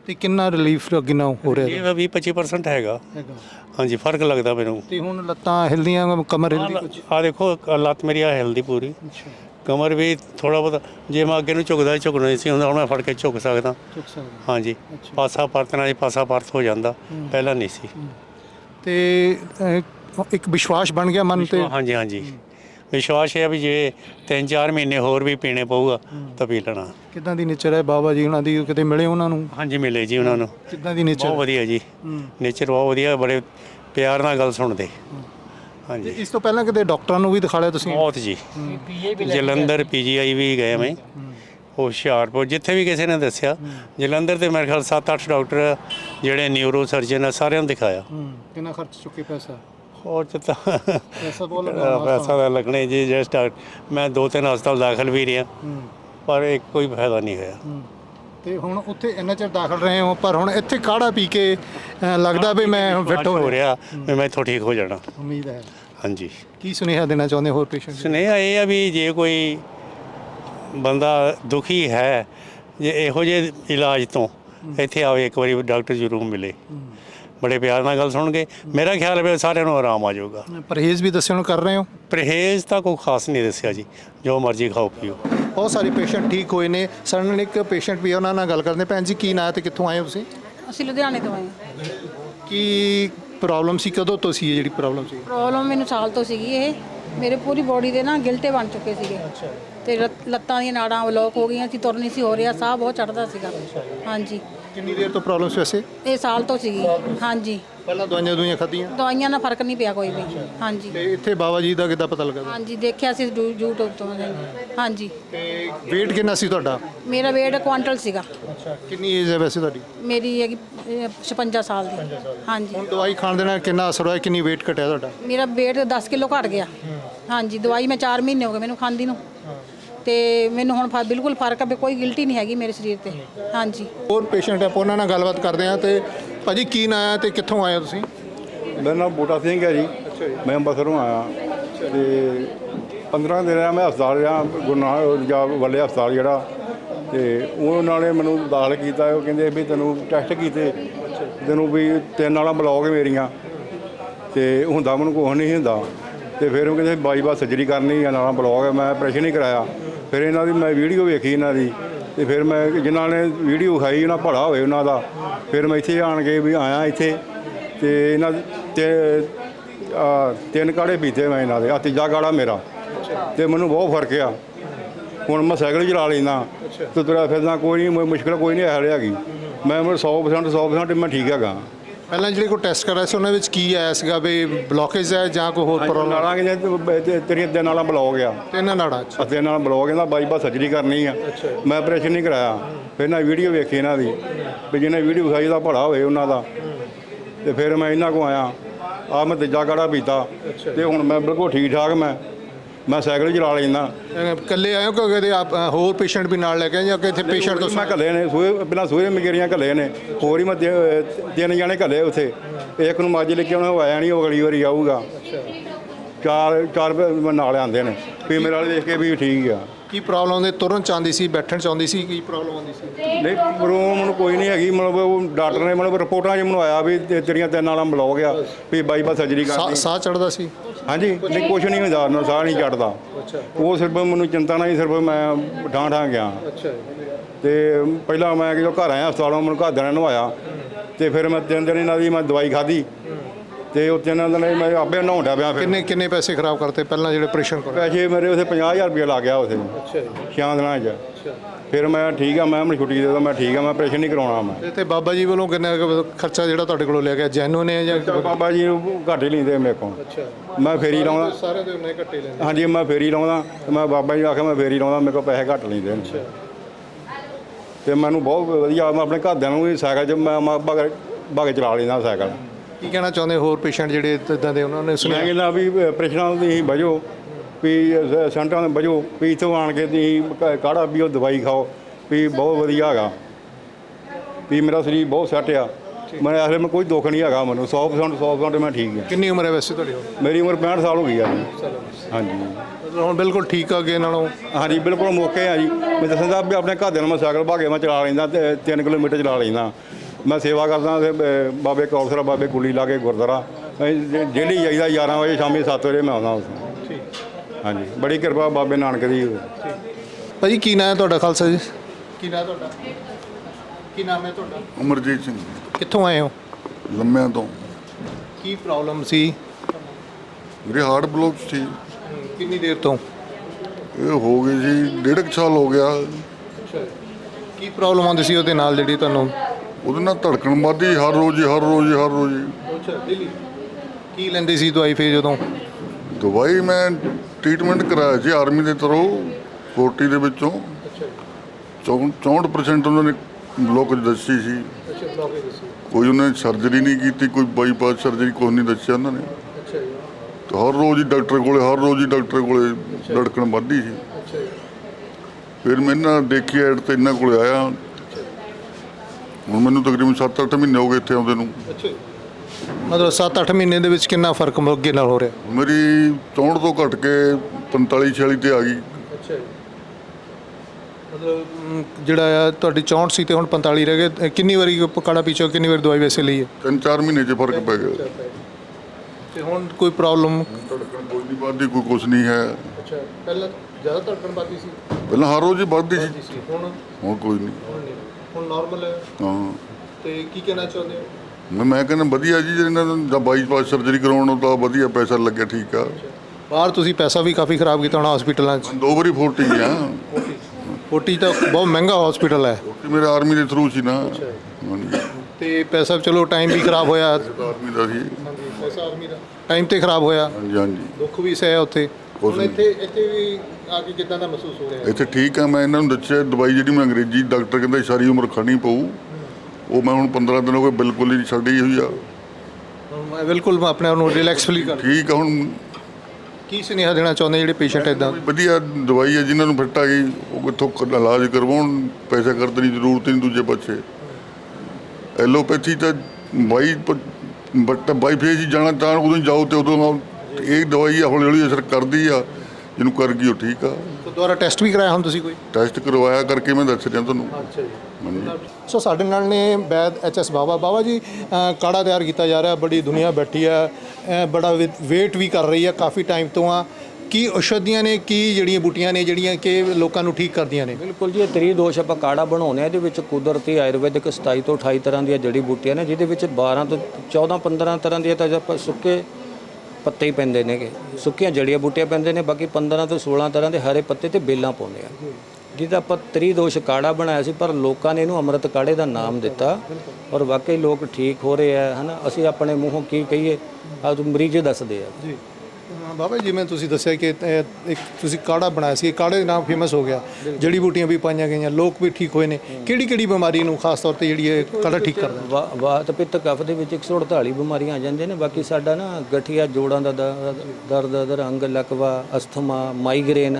[SPEAKER 2] ਤੇ ਕਿੰਨਾ ਰਿਲੀਫ ਅੱਗੇ ਨਾ ਹੋ ਰਿਹਾ
[SPEAKER 6] ਇਹ ਵੀਹ ਪੱਚੀ ਪਰਸੈਂਟ ਹੈਗਾ ਹਾਂਜੀ ਫਰਕ ਲੱਗਦਾ ਮੈਨੂੰ
[SPEAKER 2] ਤੇ ਹੁਣ ਲੱਤਾਂ ਹਿਲਦੀਆਂ ਕਮਰ ਹਿਲਦੀ ਕੁਝ
[SPEAKER 6] ਆ ਦੇਖੋ ਆਹ ਲੱਤ ਮੇਰੀ ਆ ਹਿਲਦੀ ਪੂਰੀ ਕਮਰ ਵੀ ਥੋੜਾ ਬਹੁਤ ਜੇ ਮੈਂ ਅੱਗੇ ਨੂੰ ਝੁਕਦਾ ਝੁਕਣਾ ਨਹੀਂ ਸੀ ਹੁੰਦਾ ਹੁਣ ਮੈਂ ਫੜ ਕੇ ਝੁਕ ਸਕਦਾ
[SPEAKER 2] ਚੁੱਕ ਸਕਦਾ
[SPEAKER 6] ਹਾਂਜੀ ਪਾਸਾ ਪਰਤਣਾ ਜੀ ਪਾਸਾ ਪਰਤ ਹੋ ਜਾਂਦਾ ਪਹਿਲਾਂ ਨਹੀਂ ਸੀ
[SPEAKER 2] ਤੇ ਅਹ, ਇੱਕ ਵਿਸ਼ਵਾਸ ਬਣ ਗਿਆ ਮਨ ਤੇ
[SPEAKER 6] ਹਾਂਜੀ ਹਾਂਜੀ ਵਿਸ਼ਵਾਸ ਹੈ ਵੀ ਜੇ ਤਿੰਨ ਚਾਰ ਮਹੀਨੇ ਹੋਰ ਵੀ ਪੀਣੇ ਪਊਗਾ ਤਾਂ ਪੀ ਲੈਣਾ
[SPEAKER 2] ਕਿੱਦਾਂ ਦੀ ਨੇਚਰ ਹੈ ਬਾਬਾ ਜੀ ਉਹਨਾਂ ਦੀ ਕਿਤੇ ਮਿਲੇ ਉਹਨਾਂ ਨੂੰ
[SPEAKER 6] ਹਾਂਜੀ ਮਿਲੇ ਜੀ ਉਹਨਾਂ ਨੂੰ
[SPEAKER 2] ਕਿੱਦਾਂ ਦੀ
[SPEAKER 6] ਬਹੁਤ
[SPEAKER 2] ਨੇਚਰ
[SPEAKER 6] ਵਧੀਆ ਜੀ ਨੇਚਰ ਬਹੁਤ ਵਧੀਆ ਬੜੇ ਪਿਆਰ ਨਾਲ ਗੱਲ ਸੁਣਦੇ ਹਾਂਜੀ
[SPEAKER 2] ਇਸ ਤੋਂ ਪਹਿਲਾਂ ਕਿਤੇ ਡਾਕਟਰਾਂ ਨੂੰ ਵੀ ਦਿਖਾ ਲਿਆ ਤੁਸੀਂ
[SPEAKER 6] ਬਹੁਤ ਜੀ ਜਲੰਧਰ ਪੀਜੀਆਈ ਵੀ ਗਏ ਮੈਂ ਹੁਸ਼ਿਆਰਪੁਰ ਜਿੱਥੇ ਵੀ ਕਿਸੇ ਨੇ ਦੱਸਿਆ ਜਲੰਧਰ ਤੇ ਮੇਰੇ ਖਿਆਲ ਸੱਤ ਅੱਠ ਡਾਕਟਰ ਜਿਹੜੇ ਨਿਊਰੋ ਸਰਜਨ ਆ ਸਾਰਿਆਂ ਨੂੰ ਦਿਖਾਇਆ
[SPEAKER 2] ਕਿੰਨਾ ਖਰਚ ਚੁੱਕੇ ਪੈਸਾ
[SPEAKER 6] ਹੋਰ ਚ ਤਾਂ
[SPEAKER 2] ਪੈਸਾ ਬਹੁਤ
[SPEAKER 6] ਪੈਸਾ ਦਾ ਲੱਗਣੇ ਜੀ ਜਸਟ ਮੈਂ ਦੋ ਤਿੰਨ ਹਸਪਤਾਲ ਦਾਖਲ ਵੀ ਰਿਹਾ ਪਰ ਇੱਕ ਕੋਈ ਫਾਇਦਾ ਨਹੀਂ ਹੋਇਆ
[SPEAKER 2] ਤੇ ਹੁਣ ਉੱਥੇ ਇੰਨਾ ਚਿਰ ਦਾਖਲ ਰਹੇ ਹੋ ਪਰ ਹੁਣ ਇੱਥੇ ਕਾੜਾ ਪੀ ਕੇ ਅਹ, ਲੱਗਦਾ ਵੀ ਮੈਂ ਫਿੱਟ
[SPEAKER 6] ਹੋ ਰਿਹਾ ਵੀ ਮੈਂ ਇੱਥੋਂ ਠੀਕ ਹੋ ਜਾਣਾ
[SPEAKER 2] ਉਮੀਦ ਹੈ
[SPEAKER 6] ਹਾਂਜੀ
[SPEAKER 2] ਕੀ ਸੁਨੇਹਾ ਦੇਣਾ ਚਾਹੁੰਦੇ ਹੋਰ ਪੇਸ਼ੈਂਟ
[SPEAKER 6] ਸੁਨੇਹਾ ਇਹ ਆ ਵੀ ਜੇ ਕੋਈ ਬੰਦਾ ਦੁਖੀ ਹੈ ਜੇ ਇਹੋ ਜਿਹੇ ਇਲਾਜ ਤੋਂ ਇੱਥੇ ਆਵੇ ਇੱਕ ਵਾਰੀ ਡਾਕਟਰ ਜ਼ਰੂਰ ਮਿਲੇ ਬੜੇ ਪਿਆਰ ਨਾਲ ਗੱਲ ਸੁਣਗੇ ਮੇਰਾ ਖਿਆਲ ਹੈ ਸਾਰਿਆਂ ਨੂੰ ਆਰਾਮ ਆ ਜਾਊਗਾ
[SPEAKER 2] ਪਰਹੇਜ਼ ਵੀ ਦੱਸਣ ਨੂੰ ਕਰ ਰਹੇ ਹੋ
[SPEAKER 6] ਪਰਹੇਜ਼ ਤਾਂ ਕੋਈ ਖਾਸ ਨਹੀਂ ਦੱਸਿਆ ਜੀ ਜੋ ਮਰਜ਼ੀ ਖਾਓ ਪੀਓ
[SPEAKER 2] ਬਹੁਤ ਸਾਰੇ ਪੇਸ਼ੈਂਟ ਠੀਕ ਹੋਏ ਨੇ ਸਾਡੇ ਨਾਲ ਇੱਕ ਪੇਸ਼ੈਂਟ ਵੀ ਆ, ਉਹਨਾਂ ਨਾਲ ਗੱਲ ਕਰਦੇ ਭੈਣ ਜੀ ਕੀ ਨਾਂ ਹੈ ਤੇ ਕਿੱਥੋਂ ਆਏ ਹੋ ਤੁਸੀਂ
[SPEAKER 3] ਅਸੀਂ ਲੁਧਿਆਣੇ ਤੋਂ ਆਏ ਹਾਂ।
[SPEAKER 2] ਕੀ ਪ੍ਰੋਬਲਮ ਸੀ ਕਦੋਂ ਤੋਂ ਸੀ ਇਹ ਜਿਹੜੀ ਪ੍ਰੋਬਲਮ ਸੀ
[SPEAKER 3] ਪ੍ਰੋਬਲਮ ਮੈਨੂੰ ਸਾਲ ਤੋਂ ਸੀਗੀ ਇਹ ਮੇਰੇ ਪੂਰੀ ਬੋਡੀ ਦੇ ਨਾ ਗਿਲਟੇ ਬਣ ਚੁੱਕੇ ਸੀਗੇ ਤੇ ਲੱਤ- ਲੱਤਾਂ ਦੀਆਂ ਨਾੜਾਂ ਬਲੌਕ ਹੋ ਗਈਆਂ ਸੀ ਤੁਰ ਨਹੀਂ ਸੀ ਹੋ ਰਿਹਾ ਸਾਹ ਬਹੁਤ ਚੜਦਾ ਸੀਗਾ ਹਾਂਜੀ
[SPEAKER 2] ਕਿੰਨੀ ਦੇਰ ਤੋਂ ਪ੍ਰੋਬਲਮ ਸੀ ਵੈਸੇ
[SPEAKER 3] ਇਹ ਸਾਲ ਤੋਂ ਸੀਗੀ ਹਾਂਜੀ
[SPEAKER 2] ਪਹਿਲਾਂ ਦਵਾਈਆਂ ਦੁਈਆਂ ਖਾਧੀਆਂ
[SPEAKER 3] ਦਵਾਈਆਂ ਨਾਲ ਫਰਕ ਨਹੀਂ ਪਿਆ ਕੋਈ ਵੀ ਹਾਂਜੀ
[SPEAKER 2] ਤੇ ਇੱਥੇ ਬਾਬਾ ਜੀ ਦਾ ਕਿੱਦਾਂ ਪਤਾ ਲੱਗਾ
[SPEAKER 3] ਹਾਂਜੀ ਦੇਖਿਆ ਸੀ ਯੂ- YouTube ਤੋਂ ਹਾਂਜੀ
[SPEAKER 2] ਤੇ weight ਕਿੰਨਾ ਸੀ ਤੁਹਾਡਾ
[SPEAKER 3] ਮੇਰਾ weight ਕੁਆਂਟਲ ਸੀਗਾ
[SPEAKER 2] ਅੱਛਾ ਕਿੰਨੀ ਏਜ ਹੈ ਵੈਸੇ ਤੁਹਾਡੀ
[SPEAKER 3] ਮੇਰੀ ਹੈਗੀ ਅਹ, ਛਪੰਜਾ ਸਾਲ ਦੀ ਹਾਂਜੀ
[SPEAKER 2] ਹੁਣ ਦਵਾਈ ਖਾਣ ਦੇ ਨਾਲ ਕਿੰਨਾ ਅਸਰ ਹੋਇਆ ਕਿੰਨੀ weight ਘਟਿਆ ਤੁਹਾਡਾ
[SPEAKER 3] ਮੇਰਾ weight ਦਸ ਕਿਲੋ ਘਟ ਗਿਆ ਹਾਂਜੀ ਦਵਾਈ ਮੈਂ ਚਾਰ ਮਹੀਨੇ ਹੋ ਗਏ ਮੈਨੂੰ ਖਾਂਦੀ ਨੂੰ ਤੇ ਮੈਨੂੰ ਹੁਣ ਫ- ਬਿਲਕੁਲ ਫਰਕ ਆ ਵੀ ਕੋਈ ਗਿਲਟੀ ਨਹੀਂ ਹੈਗੀ ਮੇਰੇ ਸਰੀਰ ਤੇ ਹਾਂਜੀ
[SPEAKER 2] ਹੋਰ ਪੇਸ਼ੈਂਟ ਆਪਾਂ ਉਹਨਾਂ ਨਾਲ ਗੱਲਬਾਤ ਕਰਦੇ ਆ ਤੇ ਭਾਜੀ ਕੀ ਨਾਂ ਹੈ ਤੇ ਕਿੱਥੋਂ ਆਏ ਹੋ ਤੁਸੀਂ
[SPEAKER 4] ਮੇਰਾ ਨਾਮ ਬੂਟਾ ਸਿੰਘ ਹੈ ਜੀ ਮੈਂ ਅੰਮ੍ਰਿਤਸਰੋਂ ਆਇਆ ਤੇ ਪੰਦਰਾਂ ਦਿਨ ਰਿਹਾ ਮੈਂ ਹਸਪਤਾਲ ਰਿਹਾ ਗੁਰੂ ਨਾਨਕ ਜਾਂ ਵੱਲੇ ਹਸਪਤਾਲ ਜਿਹੜਾ ਤੇ ਉਹਨਾਂ ਨੇ ਮੈਨੂੰ ਦਾਖਲ ਕੀਤਾ ਉਹ ਕਹਿੰਦੇ ਵੀ ਤੈਨੂੰ ਟੈਸਟ ਕੀਤੇ ਤੈਨੂੰ ਵੀ ਤਿੰਨ ਵਾਲਾ ਬਲੌਕ ਮੇਰੀਆਂ ਤੇ ਹੁੰਦਾ ਮੈਨੂੰ ਕੁਛ ਨਹੀਂ ਹੁੰਦਾ ਤੇ ਫਿਰ ਉਹ ਕਹਿੰਦੇ ਬਾਈਪਾਸ ਸਰਜਰੀ ਕਰਨੀ ਆ ਨਾਲਾਂ ਬਲੌਕ ਹੈ ਮੈਂ ਆਪਰੇਸ਼ਨ ਨਹੀਂ ਕਰਾਇਆ ਫਿਰ ਇਹਨਾਂ ਦੀ ਮੈਂ ਵੀਡੀਓ ਵੇਖੀ ਇਹਨਾਂ ਦੀ ਤੇ ਫਿਰ ਮੈਂ ਜਿਨ੍ਹਾਂ ਨੇ ਵੀਡੀਓ ਖਾਈ ਉਹਨਾਂ ਭਲਾ ਹੋਵੇ ਉਹਨਾਂ ਦਾ ਫਿਰ ਮੈਂ ਇੱਥੇ ਆਣ ਕੇ ਵੀ ਆਇਆ ਇੱਥੇ ਤੇ ਇਹਨਾਂ ਤੇ ਆ ਤਿੰਨ ਕਾੜੇ ਪੀਤੇ ਮੈਂ ਇਹਨਾਂ ਦੇ ਆ ਤੀਜਾ ਕਾੜਾ ਮੇਰਾ ਤੇ ਮੈਨੂੰ ਬਹੁਤ ਫਰਕ ਆ ਹੁਣ ਮੈਂ ਸਾਈਕਲ ਚਲਾ ਲੈਂਦਾ ਤੇ ਤੁਰਿਆ ਫਿਰਦਾ ਕੋਈ ਨਹੀਂ ਮੁਸ਼ਕਿਲ ਕੋਈ ਨਹੀਂ ਆ ਰਹੀ ਹੈਗੀ ਮੈਂ ਮੈਨੂੰ ਸੌ ਪ੍ਰਸੈਂਟ ਸੌ ਪ੍ਰਸੈਂਟ ਮੈਂ ਠੀਕ ਹੈਗਾ
[SPEAKER 2] ਪਹਿਲਾਂ ਜਿਹੜੇ ਕੋਈ ਟੈਸਟ ਕਰਾਇਆ ਸੀ ਉਹਨਾਂ ਵਿੱਚ ਕੀ ਆਇਆ ਸੀਗਾ ਵੀ ਬਲੋਕੇਜ ਹੈ ਜਾਂ ਕੋਈ ਹੋਰ ਪ੍ਰੋਬਲਮ
[SPEAKER 4] ਨਾਲਾਂ ਕਿ ਤੇਰੀਆਂ ਤਿੰਨ ਨਾਲਾਂ ਬਲੌਕ ਆ
[SPEAKER 2] ਤਿੰਨ ਨਾੜਾਂ ਚ
[SPEAKER 4] ਅਤੇ ਨਾਲ ਬਲੌਕ ਇਹਦਾ ਬਾਈਪਾਸ ਸਰਜਰੀ ਕਰਨੀ ਆ ਮੈਂ ਆਪਰੇਸ਼ਨ ਨਹੀਂ ਕਰਾਇਆ ਫਿਰ ਨਾ ਵੀਡੀਓ ਵੇਖੀ ਇਹਨਾਂ ਦੀ ਵੀ ਜਿਹਨੇ ਵੀਡੀਓ ਵਿਖਾਈ ਦਾ ਭਲਾ ਹੋਵੇ ਉਹਨਾਂ ਦਾ ਤੇ ਫਿਰ ਮੈਂ ਇਹਨਾਂ ਕੋ ਆਇਆ ਆ ਮੈਂ ਤੀਜਾ ਕਾੜਾ ਪੀਤਾ ਤੇ ਹੁਣ ਮੈਂ ਬਿਲਕੁਲ ਠੀਕ ਠਾਕ ਮੈਂ ਮੈਂ ਸਾਈਕਲ ਚਲਾ ਲੈਂਦਾ
[SPEAKER 2] ਅਹ ਇਕੱਲੇ ਆਏ ਹੋ ਕਿ ਕਿਤੇ ਆਪ ਅਹ ਹੋਰ ਪੇਸ਼ੈਂਟ ਵੀ ਨਾਲ ਲੈ ਕੇ ਆਏ ਜਾਂ ਕਿ ਇੱਥੇ ਪੇਸ਼ੈਂਟ ਤੋਂ
[SPEAKER 4] ਮੈਂ ਘੱਲੇ ਨੇ ਸੂਏ ਪਹਿਲਾਂ ਸੂਏ ਮਗੇਰੀਆਂ ਘੱਲੇ ਨੇ ਹੋਰ ਹੀ ਮੈਂ ਤਿ- ਤਿੰਨ ਜਾਣੇ ਘੱਲੇ ਉੱਥੇ ਇੱਕ ਨੂੰ ਮਾਝੇ ਲੈ ਕੇ ਆਉਣਾ ਉਹ ਆਇਆ ਨਹੀਂ ਉਹ ਅਗਲੀ ਵਾਰੀ ਆਊਗਾ ਚਾਰ ਚਾਰ ਮੈਂ ਨਾਲ ਆਉਂਦੇ ਨੇ ਵੀ ਮੇਰੇ ਵਾਲੇ ਦੇਖ ਕੇ ਵੀ ਠੀਕ ਆ
[SPEAKER 2] ਕੀ ਪ੍ਰੋਬਲਮ ਆਉਂਦੀ ਤੁਰਨ ਚਾਹੁੰਦੀ ਸੀ ਬੈਠਣ ਚਾਹੁੰਦੀ ਸੀ ਕੀ ਪ੍ਰੋਬਲਮ ਆਉਂਦੀ ਸੀ
[SPEAKER 4] ਨਹੀਂ ਪ੍ਰੋਬਲਮ ਕੋਈ ਨਹੀਂ ਹੈਗੀ ਮਤਲਬ ਉਹ ਡਾਕਟਰ ਨੇ ਮਤਲਬ ਰਿਪੋਰਟਾਂ 'ਚ ਮੈਨੂੰ ਆਇਆ ਵੀ ਤੇ ਤੇਰੀਆਂ ਤਿੰਨ ਨਾਲਾਂ ਬਲੌਕ ਆ ਵੀ ਬਾਈਪਾਸ ਸਰਜਰੀ
[SPEAKER 2] ਸਾਹ
[SPEAKER 4] ਕਰਨੀ
[SPEAKER 2] ਸਾਹ ਚੜਦਾ ਸੀ
[SPEAKER 4] ਹਾਂਜੀ ਨਹੀਂ ਕੁਛ ਨਹੀਂ ਹੁੰਦਾ ਨਾ ਸਾਹ ਨਹੀਂ ਚੜਦਾ ਉਹ ਸਿਰਫ ਮੈਨੂੰ ਚਿੰਤਾ ਨਹੀਂ ਸਿਰਫ ਮੈਂ ਠਾਂ ਠਾਂ ਗਿਆ
[SPEAKER 2] ਅੱਛਾ
[SPEAKER 4] ਤੇ ਪਹਿਲਾਂ ਮੈਂ ਜਦੋਂ ਘਰ ਆਇਆ ਹਸਪਤਾਲੋਂ ਮੈਨੂੰ ਘਰਦਿਆਂ ਨੇ ਨਵਾਇਆ ਤੇ ਫਿਰ ਮੈਂ ਤਿੰਨ ਦਿਨ ਇਹਨਾਂ ਦੀ ਮੈਂ ਦਵਾਈ ਖਾਧੀ ਤੇ ਉਹ ਤਿੰਨ ਦਿਨ ਮੈਂ ਆਪੇ ਨਹਾਉਂਦਾ ਪਿਆ ਫਿਰ
[SPEAKER 2] ਕਿੰਨੇ ਕਿੰਨੇ ਪੈਸੇ ਖਰਾਬ ਕਰਤੇ ਪਹਿਲਾਂ ਜਿਹੜੇ ਆਪਰੇਸ਼ਨ ਕਰਾਏ
[SPEAKER 4] ਪੈਸੇ ਮੇਰੇ ਉੱਥੇ ਪੰਜਾਹ ਹਜ਼ਾਰ ਰੁਪਏ ਲੱਗ ਗਿਆ ਉੱਥੇ
[SPEAKER 2] ਅੱਛਾ ਜੀ
[SPEAKER 4] ਛਿਆਂ ਦਿਨਾਂ 'ਚ ਫਿਰ ਮੈਂ ਠੀਕ ਆ ਮੈਂ ਮੈਨੂੰ ਛੁੱਟੀ ਦੇ ਦੋ ਮੈਂ ਠੀਕ ਆ ਮੈਂ ਆਪਰੇਸ਼ਨ ਨਹੀਂ ਕਰਾਉਣਾ ਮੈਂ
[SPEAKER 2] ਤੇ ਬਾਬਾ ਜੀ ਵੱਲੋਂ ਕਿੰਨਾ ਕੁ ਖਰਚਾ ਜਿਹੜਾ ਤੁਹਾਡੇ ਕੋਲੋਂ ਲਿਆ ਗਿਆ ਜੈਨੋ ਨੇ ਜਾਂ
[SPEAKER 4] ਬਾਬਾ ਜੀ ਨੂੰ ਘੱਟ ਹੀ ਲੈਂਦੇ ਮੇਰੇ ਕੋਲ ਮੈਂ ਫੇਰੀ ਲਾਉਂਦਾ
[SPEAKER 2] ਸਾਰੇ ਦੇ ਉਹਨੇ ਘੱਟੇ ਲੈਂਦੇ
[SPEAKER 4] ਹਾਂਜੀ ਮੈਂ ਫੇਰੀ ਲਾਉਂਦਾ ਤੇ ਮੈਂ ਬਾਬਾ ਜੀ ਨੂੰ ਆਖਿਆ ਮੈਂ ਫੇਰੀ ਲਾਉਂਦਾ ਮੇਰੇ ਕੋਲ ਪੈਸੇ ਘੱਟ ਲੈਂਦੇ ਨੇ ਤੇ ਮੈਨੂੰ ਬਹੁਤ ਵਧੀਆ ਮੈਂ ਆਪਣੇ ਘਰਦਿਆਂ ਨੂੰ ਵੀ ਸਾਈਕਲ 'ਚ ਮੈਂ ਮੈਂ ਭਗ ਭਗ ਚਲਾ ਲੈਂਦਾ ਸਾਈਕਲ
[SPEAKER 2] ਕੀ ਕਹਿਣਾ ਚਾਹੁੰਦੇ ਹੋਰ ਪੇਸ਼ੈਂਟ ਜਿਹੜੇ ਇਦਾਂ ਦੇ ਉਹਨਾਂ ਨੇ
[SPEAKER 4] ਮੈਂ
[SPEAKER 2] ਸੁਣਿਆ
[SPEAKER 4] ਕਹਿੰਦਾ ਵੀ ਆਪਰੇਸ਼ਨਾਂ ਦੀ ਵਜੋ ਵੀ ਸੈਂਟਰਾਂ ਦੇ ਵਜੋ ਵੀ ਇੱਥੋਂ ਆਣ ਕੇ ਤੁਸੀਂ ਕ- ਕਾੜਾ ਪੀਓ ਦਵਾਈ ਖਾਓ ਵੀ ਬਹੁਤ ਵਧੀਆ ਹੈਗਾ ਵੀ ਮੇਰਾ ਸਰੀਰ ਬਹੁਤ ਸੈੱਟ ਆ ਮੈਂ ਆਖਰੇ ਮੈਂ ਕੋਈ ਦੁੱਖ ਨਹੀਂ ਹੈਗਾ ਮੈਨੂੰ ਸੌ ਪ੍ਰਸੈਂਟ ਸੌ ਪ੍ਰਸੈਂਟ ਮੈਂ ਠੀਕ ਹਾਂ
[SPEAKER 2] ਕਿੰਨੀ ਉਮਰ ਹੈ ਵੈਸੇ ਤੁਹਾਡੀ ਹੁਣ
[SPEAKER 4] ਮੇਰੀ ਉਮਰ ਪੈਂਹਠ ਸਾਲ ਹੋ ਗਈ ਆ ਜੀ ਹਾਂਜੀ
[SPEAKER 2] ਮਤਲਬ ਹੁਣ ਬਿਲਕੁਲ ਠੀਕ ਆ ਅੱਗੇ ਨਾਲੋਂ
[SPEAKER 4] ਹਾਂਜੀ ਬਿਲਕੁਲ ਮੌਕੇ ਆ ਜੀ ਮੈਂ ਦੱਸਦਾ ਵੀ ਆਪਣੇ ਘਰਦਿਆਂ ਨੂੰ ਮੈਂ ਸਾਈਕਲ ਭਾਗੇ ਮੈਂ ਚਲਾ ਲੈਂਦਾ ਤੇ ਤਿੰਨ ਕਿਲੋਮੀਟਰ ਚਲਾ ਲੈਂਦਾ ਮੈਂ ਸੇਵਾ ਕਰਦਾ ਤੇ ਬ- ਬਾਬੇ ਕੌਲਸਰਾ ਬਾਬੇ ਗੁੱਲੀ ਲਾ ਕੇ ਗੁਰਦੁਆਰਾ ਅਸੀਂ ਡੇਲੀ ਜਾਈਦਾ ਗਿਆਰਾਂ ਵਜੇ ਸ਼ਾਮੀ ਸੱਤ ਵਜੇ ਮੈਂ ਆਉਂਦਾ ਉਸ
[SPEAKER 2] ਠੀਕ
[SPEAKER 4] ਹਾਂਜੀ ਬੜੀ ਕਿਰਪਾ ਬਾਬੇ ਨਾਨਕ ਦੀ
[SPEAKER 2] ਭਾਜੀ ਕੀ ਨਾਮ ਹੈ ਤੁਹਾਡਾ ਖਾਲਸਾ ਜੀ ਕੀ ਨਾਮ ਤੁਹਾਡਾ ਕੀ ਨਾਮ ਹੈ ਤੁਹਾਡਾ
[SPEAKER 5] ਅਮਰਜੀਤ ਸਿੰਘ
[SPEAKER 2] ਕਿੱਥੋਂ ਆਏ ਹੋ
[SPEAKER 5] ਲੰਮਿਆਂ ਤੋਂ
[SPEAKER 2] ਕੀ ਪ੍ਰੋਬਲਮ ਸੀ
[SPEAKER 5] ਮੇਰੇ ਹਾਰਟ ਬਲੌਕ ਸੀ।
[SPEAKER 2] ਕਿੰਨੀ ਦੇਰ ਤੋਂ
[SPEAKER 5] ਇਹ ਹੋ ਗਈ ਜੀ ਡੇਢ ਕੁ ਸਾਲ ਹੋ ਗਿਆ।
[SPEAKER 2] ਅੱਛਾ ਕੀ ਪ੍ਰੋਬਲਮ ਆਉਂਦੀ ਸੀ ਉਹਦੇ ਨਾਲ ਜਿਹੜੀ ਤੁਹਾਨੂੰ
[SPEAKER 5] ਉਹਦੇ ਨਾਲ ਧੜਕਣ ਵੱਧਦੀ ਹਰ ਰੋਜ਼ ਹੀ ਹਰ ਰੋਜ਼ ਹੀ ਹਰ ਰੋਜ਼ ਹੀ।
[SPEAKER 2] ਅੱਛਾ ਦਿੱਲੀ ਕੀ ਲੈਂਦੇ ਸੀ ਦਵਾਈ ਫੇਰ ਜਦੋਂ
[SPEAKER 5] ਦਵਾਈ ਮੈਂ ਟ੍ਰੀਟਮੈਂਟ ਕਰਾਇਆ ਸੀ ਆਰਮੀ ਦੇ ਤਰੋਂ ਕੋਟੀ ਦੇ ਵਿੱਚੋਂ ਚੌਂਹਠ ਪਰਸੈਂਟ ਉਹਨਾਂ ਨੇ ਬਲੌਕੇਜ ਦੱਸੀ ਸੀ।
[SPEAKER 2] ਅੱਛਾ ਬਲੌਕੇਜ ਸੀ
[SPEAKER 5] ਕੋਈ ਉਹਨਾਂ ਨੇ ਸਰਜਰੀ ਨਹੀਂ ਕੀਤੀ, ਕੋਈ ਬਾਈਪਾਸ ਸਰਜਰੀ ਕੁਛ ਨਹੀਂ ਦੱਸਿਆ ਉਹਨਾਂ ਨੇ।
[SPEAKER 2] ਅੱਛਾ ਜੀ
[SPEAKER 5] ਤੇ ਹਰ ਰੋਜ਼ ਹੀ ਡਾਕਟਰ ਕੋਲੇ ਹਰ ਰੋਜ਼ ਹੀ ਡਾਕਟਰ ਕੋਲੇ ਧੜਕਣ ਵੱਧਦੀ ਸੀ।
[SPEAKER 2] ਅੱਛਾ ਜੀ
[SPEAKER 5] ਫਿਰ ਮੈਂ ਇਹਨਾਂ ਦੇਖੀ ਐਡ ਤੇ ਇਹਨਾਂ ਕੋਲੇ ਆਇਆ। ਹੁਣ ਮੈਨੂੰ ਤਕਰੀਬਨ ਸੱਤ ਅੱਠ ਮਹੀਨੇ ਹੋ ਗਏ ਇੱਥੇ ਆਉਂਦੇ ਨੂੰ।
[SPEAKER 2] ਅੱਛਾ ਜੀ ਮਤਲਬ ਸੱਤ ਅੱਠ ਮਹੀਨੇ ਦੇ ਵਿੱਚ ਕਿੰਨਾ ਫਰਕ ਅੱਗੇ ਨਾਲ ਹੋ ਰਿਹਾ
[SPEAKER 5] ਮੇਰੀ ਚੌਂਹਠ ਤੋਂ ਘਟ ਕੇ ਪੰਤਾਲੀ ਛਿਆਲੀ ਤੇ ਆ ਗਈ।
[SPEAKER 2] ਅੱਛਾ ਜੀ ਮਤਲਬ ਅਮ, ਜਿਹੜਾ ਆ ਤੁਹਾਡੀ ਚੌਂਹਠ ਸੀ ਤੇ ਹੁਣ ਪੰਤਾਲੀ ਰਹਿ ਗਏ ਅ, ਕਿੰਨੀ ਵਾਰੀ ਕਾੜਾ ਪੀਚੋ ਕਿੰਨੀ ਵਾਰੀ ਦਵਾਈ ਵੈਸੇ ਲਈ ਹੈ
[SPEAKER 5] ਤਿੰਨ ਚਾਰ ਮਹੀਨੇ 'ਚ ਫਰਕ ਪੈ ਗਿਆ।
[SPEAKER 2] ਤੇ ਹੁਣ ਕੋਈ ਪ੍ਰੋਬਲਮ
[SPEAKER 5] ਧੜਕਣ ਕੋਈ ਨਹੀਂ ਵੱਧਦੀ, ਕੋਈ ਕੁਛ ਨਹੀਂ ਹੈ।
[SPEAKER 2] ਅੱਛਾ ਪਹਿਲਾਂ ਜ਼ਿਆਦਾ ਧੜਕਣ ਵੱਧਦੀ ਸੀ
[SPEAKER 5] ਪਹਿਲਾਂ ਹਰ ਰੋਜ਼ ਹੀ ਵੱਧਦੀ ਸੀ,
[SPEAKER 2] ਸੀ ਹੁਣ
[SPEAKER 5] ਹੁਣ ਕੋਈ ਨਹੀਂ।
[SPEAKER 2] ਹੁਣ ਨਹੀਂ ਹੁਣ ਨਾਰਮਲ ਹੈ
[SPEAKER 5] ਹਾਂ
[SPEAKER 2] ਤੇ ਕੀ ਕਹਿਣਾ ਚਾਹੁੰਦੇ ਹੋ
[SPEAKER 5] ਮੈਂ ਮੈਂ ਕਹਿੰਦਾ ਵਧੀਆ ਜੀ, ਜੇ ਇਹਨਾਂ ਨੂੰ ਜਾਂ ਬਾਈਪਾਸ ਸਰਜਰੀ ਕਰਾਉਣ ਨੂੰ ਤਾਂ ਵਧੀਆ ਪੈਸਾ ਲੱਗਿਆ, ਠੀਕ ਆ।
[SPEAKER 2] ਬਾਹਰ ਤੁਸੀਂ ਪੈਸਾ ਵੀ ਕਾਫੀ ਖਰਾਬ ਕੀਤਾ ਹੋਣਾ ਹਸਪੀਟਲਾਂ 'ਚ
[SPEAKER 5] ਦੋ ਵਾਰੀ ਫੋਰਟੀ ਗਿਆ।
[SPEAKER 2] ਓਟੀ ਤਾਂ ਬਹੁਤ ਮਹਿੰਗਾ ਹਸਪੀਟਲ ਹੈ
[SPEAKER 5] ਫੋਰਟੀ ਮੇਰੇ ਆਰਮੀ ਦੇ ਥਰੂ ਸੀ ਨਾ। ਹਾਂਜੀ
[SPEAKER 2] ਤੇ ਪੈਸਾ ਚਲੋ ਟਾਈਮ ਵੀ ਖਰਾਬ ਹੋਇਆ
[SPEAKER 5] ਆਰਮੀ ਦਾ ਸੀ।
[SPEAKER 2] ਪੈਸਾ ਆਰਮੀ ਦਾ ਟਾਈਮ ਤੇ ਖਰਾਬ ਹੋਇਆ
[SPEAKER 5] ਹਾਂਜੀ ਹਾਂਜੀ
[SPEAKER 2] ਦੁੱਖ ਵੀ ਸਹਿ ਉੱਥੇ
[SPEAKER 5] ਕੁਛ
[SPEAKER 2] ਹੁਣ
[SPEAKER 5] ਨਹੀਂ।
[SPEAKER 2] ਇੱਥੇ ਇੱਥੇ ਵੀ ਆ ਕੇ ਕਿਦਾਂ ਦਾ ਮਹਿਸੂਸ ਹੋ ਰਿਹਾ
[SPEAKER 5] ਇੱਥੇ ਠੀਕ ਆ। ਮੈਂ ਇਹਨਾਂ ਨੂੰ ਦੱਸਿਆ ਦਵਾਈ ਜਿਹੜੀ ਮੈਂ ਅੰਗਰੇਜ਼ੀ ਡਾਕਟਰ ਕਹਿੰਦਾ ਸੀ ਸਾਰੀ ਉਮਰ ਖਾਣੀ ਪਊ, ਉਹ ਮੈਂ ਹੁਣ ਪੰਦਰਾਂ ਦਿਨ ਹੋ ਗਏ ਬਿਲਕੁਲ ਹੀ ਛੱਡੀ ਹੋਈ ਆ।
[SPEAKER 2] ਹੁਣ ਮੈਂ ਬਿਲਕੁਲ ਆਪਣੇ ਆਪ ਨੂੰ ਰਿਲੈਕਸ ਫੀਲ ਕਰ
[SPEAKER 5] ਠੀਕ ਆ। ਹੁਣ
[SPEAKER 2] ਕੀ ਸੁਨੇਹਾ ਦੇਣਾ ਚਾਹੁੰਦੇ ਜਿਹੜੇ ਪੇਸ਼ੈਂਟ ਇਦਾਂ
[SPEAKER 5] ਵਧੀਆ ਦਵਾਈ ਹੈ, ਜਿਨ੍ਹਾਂ ਨੂੰ ਫਿੱਟ ਆ ਗਈ ਉਹ ਕਿੱਥੋਂ ਕ- ਇਲਾਜ ਕਰਵਾਉਣ, ਪੈਸਾ ਕਰਨ ਦੀ ਜ਼ਰੂਰਤ ਨਹੀਂ ਦੂਜੇ ਪਾਸੇ। ਐਲੋਪੈਥੀ ਤਾਂ ਬਾਈ ਬਟ ਬਾਈ ਫੇਸ ਹੀ ਜਾਣਾ ਤਾਂ ਉਦੋਂ ਹੀ ਜਾਓ ਤੇ ਉਦੋਂ ਇਹ ਦਵਾਈ ਆ ਹੌਲੀ ਹੌਲੀ ਅਸਰ ਕਰਦੀ ਆ, ਜਿਹਨੂੰ ਕਰ ਗਈ ਉਹ ਠੀਕ ਆ।
[SPEAKER 2] ਦੁਬਾਰਾ ਟੈਸਟ ਵੀ ਕਰਾਇਆ ਹੁਣ ਤੁਸੀਂ ਕੋਈ
[SPEAKER 5] ਟੈਸਟ ਕਰਵਾਇਆ ਕਰਕੇ ਮੈਂ ਦੱਸ ਰਿਹਾ ਤੁਹਾਨੂੰ।
[SPEAKER 2] ਅੱਛਾ ਜੀ
[SPEAKER 5] ਹਾਂਜੀ।
[SPEAKER 2] ਸੋ ਸਾਡੇ ਨਾਲ ਨੇ ਵੈਦ ਐਚ ਐਸ ਬਾਬਾ ਬਾਬਾ ਜੀ ਅ, ਕਾੜਾ ਤਿਆਰ ਕੀਤਾ ਜਾ ਰਿਹਾ, ਬੜੀ ਦੁਨੀਆ ਬੈਠੀ ਆ, ਅ, ਬੜਾ ਵੇਟ ਵੀ ਕਰ ਰਹੀ ਆ ਕਾਫੀ ਟਾਈਮ ਤੋਂ ਆ। ਕੀ ਔਸ਼ਧੀਆਂ ਨੇ, ਕੀ ਜਿਹੜੀਆਂ ਬੂਟੀਆਂ ਨੇ ਜਿਹੜੀਆਂ ਕਿ ਲੋਕਾਂ ਨੂੰ ਠੀਕ ਕਰਦੀਆਂ ਨੇ?
[SPEAKER 7] ਬਿਲਕੁਲ ਜੀ, ਇਹ ਤ੍ਰੀ ਦੋਸ਼ ਆਪਾਂ ਕਾੜਾ ਬਣਾਉਂਦੇ ਆ, ਇਹਦੇ ਵਿੱਚ ਕੁਦਰਤੀ ਆਯੁਰਵੈਦਿਕ ਸਤਾਈ ਤੋਂ ਅਠਾਈ ਤਰ੍ਹਾਂ ਦੀਆਂ ਜੜੀ ਬੂਟੀਆਂ ਨੇ, ਜਿਹਦੇ ਵਿੱਚ ਬਾਰਾਂ ਤੋਂ ਚੌਦਾਂ ਪੰਦਰਾਂ ਤਰ੍ਹਾਂ ਦੀਆਂ ਤਾਂ ਆਪਾਂ ਸੁੱਕੇ ਪੱਤੇ ਹੀ ਪੈਂਦੇ ਨੇਗੇ, ਸੁੱਕੀਆਂ ਜੜੀਆਂ ਬੂਟੀਆਂ ਪੈਂਦੇ ਨੇ, ਬਾਕੀ ਪੰਦਰਾਂ ਤੋਂ ਸੋਲਾਂ ਤਰ੍ਹਾਂ ਦੇ ਹਰੇ ਪੱਤੇ ਤੇ ਬੇਲਾਂ ਪਾਉਂਦੇ ਆ, ਜਿਹਦਾ ਆਪਾਂ ਤ੍ਰੀ ਦੋਸ਼ ਕਾੜਾ ਬਣਾਇਆ ਸੀ। ਪਰ ਲੋਕਾਂ ਨੇ ਇਹਨੂੰ ਅੰਮ੍ਰਿਤ ਕਾੜੇ ਦਾ ਨਾਮ ਦਿੱਤਾ ਔਰ ਵਾਕਈ ਲੋਕ ਠੀਕ ਹੋ ਰਹੇ ਆ, ਹਨਾ। ਅਸੀਂ ਆਪਣੇ ਮੂੰਹੋਂ ਕੀ ਕਹੀਏ, ਆ ਮਰੀਜ਼ ਦੱਸਦੇ ਆ
[SPEAKER 2] ਜੀ ਬਾਬਾ ਜੀ, ਜਿਵੇਂ ਤੁਸੀਂ ਦੱਸਿਆ ਕਿ ਅ, ਇੱਕ ਤੁਸੀਂ ਕਾੜਾ ਬਣਾਇਆ ਸੀ, ਕਾੜੇ ਦੇ ਨਾਮ ਫੇਮਸ ਹੋ ਗਿਆ, ਜੜੀ ਬੂਟੀਆਂ ਵੀ ਪਾਈਆਂ ਗਈਆਂ, ਲੋਕ ਵੀ ਠੀਕ ਹੋਏ ਨੇ। ਕਿਹੜੀ ਕਿਹੜੀ ਬਿਮਾਰੀ ਨੂੰ ਖਾਸ ਤੌਰ ਤੇ ਜਿਹੜੀ ਇਹ ਕਾੜਾ ਠੀਕ ਕਰਦਾ?
[SPEAKER 7] ਵਾ- ਵਾਤ ਪਿੱਤ ਕਫ ਦੇ ਵਿੱਚ ਇੱਕ ਸੌ ਅੜਤਾਲੀ ਬਿਮਾਰੀਆਂ ਆ ਜਾਂਦੀਆਂ ਨੇ। ਬਾਕੀ ਸਾਡਾ ਨਾ ਗਠੀਆ, ਜੋੜਾਂ ਦਾ ਦਰ- ਦਰਦ, ਅਧਰੰਗ, ਲਕਵਾ, ਅਸਥਮਾ, ਮਾਈਗ੍ਰੇਨ,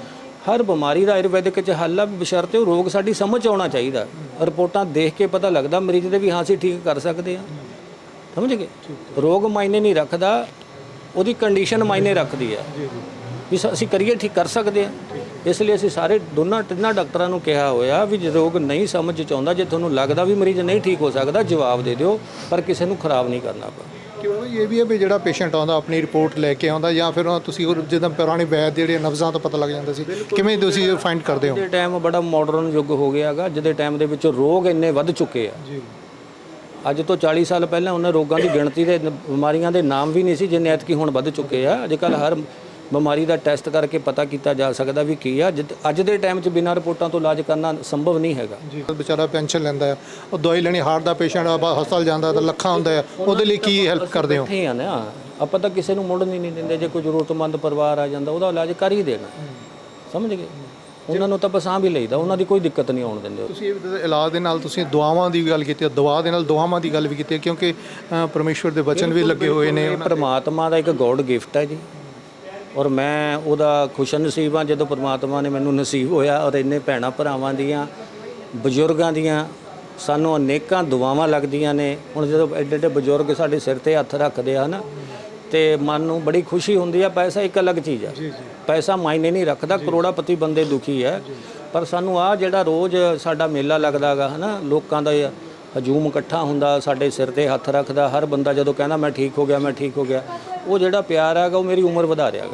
[SPEAKER 7] ਹਰ ਬਿਮਾਰੀ ਦਾ ਆਯੁਰਵੈਦਿਕ ਚ ਹੱਲ ਆ, ਬਸ਼ਰਤੇ ਉਹ ਰੋਗ ਸਾਡੀ ਸਮਝ ਆਉਣਾ ਚਾਹੀਦਾ। ਰਿਪੋਰਟਾਂ ਦੇਖ ਕੇ ਪਤਾ ਲੱਗਦਾ ਮਰੀਜ਼ ਦੇ ਵੀ ਹਾਂ ਅਸੀਂ ਠੀਕ ਕਰ ਸਕਦੇ ਹਾਂ, ਸਮਝ ਗਏ। ਰੋਗ ਮਾਇਨੇ ਨਹੀਂ ਰੱਖਦਾ, ਉਹਦੀ ਕੰਡੀਸ਼ਨ ਮਾਇਨੇ ਰੱਖਦੀ ਹੈ ਵੀ ਸ- ਅਸੀਂ ਕਰੀਏ ਠੀਕ ਕਰ ਸਕਦੇ ਹਾਂ। ਇਸ ਲਈ ਅਸੀਂ ਸਾਰੇ ਦੋਨਾਂ ਤਿੰਨਾਂ ਡਾਕਟਰਾਂ ਨੂੰ ਕਿਹਾ ਹੋਇਆ ਵੀ ਜੇ ਰੋਗ ਨਹੀਂ ਸਮਝ ਚ ਆਉਂਦਾ, ਜੇ ਤੁਹਾਨੂੰ ਲੱਗਦਾ ਵੀ ਮਰੀਜ਼ ਨਹੀਂ ਠੀਕ ਹੋ ਸਕਦਾ, ਜਵਾਬ ਦੇ ਦਿਓ, ਪਰ ਕਿਸੇ ਨੂੰ ਖਰਾਬ ਨਹੀਂ ਕਰਨਾ ਆਪਾਂ।
[SPEAKER 2] ਕਿਉਂ ਇਹ ਵੀ ਹੈ ਵੀ ਜਿਹੜਾ ਪੇਸ਼ੈਂਟ ਆਉਂਦਾ ਆਪਣੀ ਰਿਪੋਰਟ ਲੈ ਕੇ ਆਉਂਦਾ, ਜਾਂ ਫਿਰ ਤੁਸੀਂ ਉਹ ਜਿੱਦਾਂ ਪੁਰਾਣੇ ਵੈਦ ਜਿਹੜੇ ਨਬਜ਼ਾਂ ਤੋਂ ਪਤਾ ਲੱਗ ਜਾਂਦਾ ਸੀ, ਕਿਵੇਂ ਤੁਸੀਂ ਫਾਈਂਡ ਕਰਦੇ ਹੋ?
[SPEAKER 7] ਅੱਜ ਦੇ ਟਾਈਮ ਬੜਾ ਮਾਡਰਨ ਯੁੱਗ ਹੋ ਗਿਆ ਹੈਗਾ, ਅੱਜ ਦੇ ਟਾਈਮ ਦੇ ਵਿੱਚ ਰੋਗ ਇੰਨੇ ਵੱਧ ਚੁੱਕੇ ਆ।
[SPEAKER 2] ਜੀ
[SPEAKER 7] ਅੱਜ ਤੋਂ ਚਾਲੀ ਸਾਲ ਪਹਿਲਾਂ ਉਹਨਾਂ ਰੋਗਾਂ ਦੀ ਗਿਣਤੀ ਦੇ ਨ- ਬਿਮਾਰੀਆਂ ਦੇ ਨਾਮ ਵੀ ਨਹੀਂ ਸੀ ਜਿੰਨੇ ਐਤਕੀ ਹੁਣ ਵੱਧ ਚੁੱਕੇ ਆ। ਅੱਜ ਕੱਲ੍ਹ ਹਰ ਬਿਮਾਰੀ ਦਾ ਟੈਸਟ ਕਰਕੇ ਪਤਾ ਕੀਤਾ ਜਾ ਸਕਦਾ ਵੀ ਕੀ ਆ। ਜਿੱਦ- ਅੱਜ ਦੇ ਟਾਈਮ 'ਚ ਬਿਨਾਂ ਰਿਪੋਰਟਾਂ ਤੋਂ ਇਲਾਜ ਕਰਨਾ ਸੰਭਵ ਨਹੀਂ ਹੈਗਾ।
[SPEAKER 2] ਜੀ ਵਿਚਾਰਾ ਪੈਨਸ਼ਨ ਲੈਂਦਾ ਹੈ, ਉਹ ਦਵਾਈ ਲੈਣੀ, ਹਾਰਟ ਦਾ ਪੇਸ਼ੈਂਟ ਆ, ਹਸਪਤਾਲ ਜਾਂਦਾ ਤਾਂ ਲੱਖਾਂ ਹੁੰਦਾ ਹੈ, ਉਹਦੇ ਲਈ ਕੀ ਹੈਲਪ ਕਰਦੇ ਹੋ?
[SPEAKER 7] ਇੱਥੇ ਆ ਨਾ, ਆਪਾਂ ਤਾਂ ਕਿਸੇ ਨੂੰ ਮੁੜਨ ਹੀ ਨਹੀਂ ਦਿੰਦੇ। ਜੇ ਕੋਈ ਜ਼ਰੂਰਤਮੰਦ ਪਰਿਵਾਰ ਆ ਜਾਂਦਾ, ਉਹਦਾ ਇਲਾਜ ਕਰ ਹੀ ਦੇਣਾ, ਸਮਝ ਗਏ। ਉਹਨਾਂ ਨੂੰ ਤਾਂ ਪਸਾਂ ਵੀ ਲਈਦਾ, ਉਹਨਾਂ ਦੀ ਕੋਈ ਦਿੱਕਤ ਨਹੀਂ ਆਉਣ ਦਿੰਦੇ।
[SPEAKER 2] ਤੁਸੀਂ ਇਹ ਵੀ ਇਲਾਜ ਦੇ ਨਾਲ ਤੁਸੀਂ ਦੁਆਵਾਂ ਦੀ ਗੱਲ ਕੀਤੀ ਹੈ, ਦਵਾ ਦੇ ਨਾਲ ਦੁਆਵਾਂ ਦੀ ਗੱਲ ਵੀ ਕੀਤੀ ਹੈ, ਕਿਉਂਕਿ ਅ, ਪਰਮੇਸ਼ਵਰ ਦੇ ਵਚਨ ਵੀ ਲੱਗੇ ਹੋਏ ਨੇ।
[SPEAKER 7] ਇਹ ਪ੍ਰਮਾਤਮਾ ਦਾ ਇੱਕ ਗੋਡ ਗਿਫਟ ਹੈ ਜੀ, ਔਰ ਮੈਂ ਉਹਦਾ ਖੁਸ਼ਨਸੀਬ ਹਾਂ ਜਦੋਂ ਪ੍ਰਮਾਤਮਾ ਨੇ ਮੈਨੂੰ ਨਸੀਬ ਹੋਇਆ। ਔਰ ਇੰਨੇ ਭੈਣਾਂ ਭਰਾਵਾਂ ਦੀਆਂ, ਬਜ਼ੁਰਗਾਂ ਦੀਆਂ ਸਾਨੂੰ ਅਨੇਕਾਂ ਦੁਆਵਾਂ ਲੱਗਦੀਆਂ ਨੇ। ਹੁਣ ਜਦੋਂ ਐਡੇ ਐਡੇ ਬਜ਼ੁਰਗ ਸਾਡੇ ਸਿਰ ਤੇ ਹੱਥ ਰੱਖਦੇ ਆ ਨਾ, ਤੇ ਮਨ ਨੂੰ ਬੜੀ ਖੁਸ਼ੀ ਹੁੰਦੀ ਆ। ਪੈਸਾ ਇੱਕ ਅਲੱਗ ਚੀਜ਼ ਹੈ, ਪੈਸਾ ਮਾਇਨੇ ਨਹੀਂ ਰੱਖਦਾ, ਕਰੋੜਾਪਤੀ ਬੰਦੇ ਦੁਖੀ ਹੈ। ਪਰ ਸਾਨੂੰ ਆ ਜਿਹੜਾ ਰੋਜ਼ ਸਾਡਾ ਮੇਲਾ ਲੱਗਦਾ ਗਾ, ਹਨਾ, ਲੋਕਾਂ ਦਾ ਹਜੂਮ ਇਕੱਠਾ ਹੁੰਦਾ, ਸਾਡੇ ਸਿਰ ਤੇ ਹੱਥ ਰੱਖਦਾ, ਹਰ ਬੰਦਾ ਜਦੋਂ ਕਹਿੰਦਾ ਮੈਂ ਠੀਕ ਹੋ ਗਿਆ ਮੈਂ ਠੀਕ ਹੋ ਗਿਆ, ਉਹ ਜਿਹੜਾ ਪਿਆਰ ਹੈਗਾ ਉਹ ਮੇਰੀ ਉਮਰ ਵਧਾ ਰਿਹਾ ਗਾ।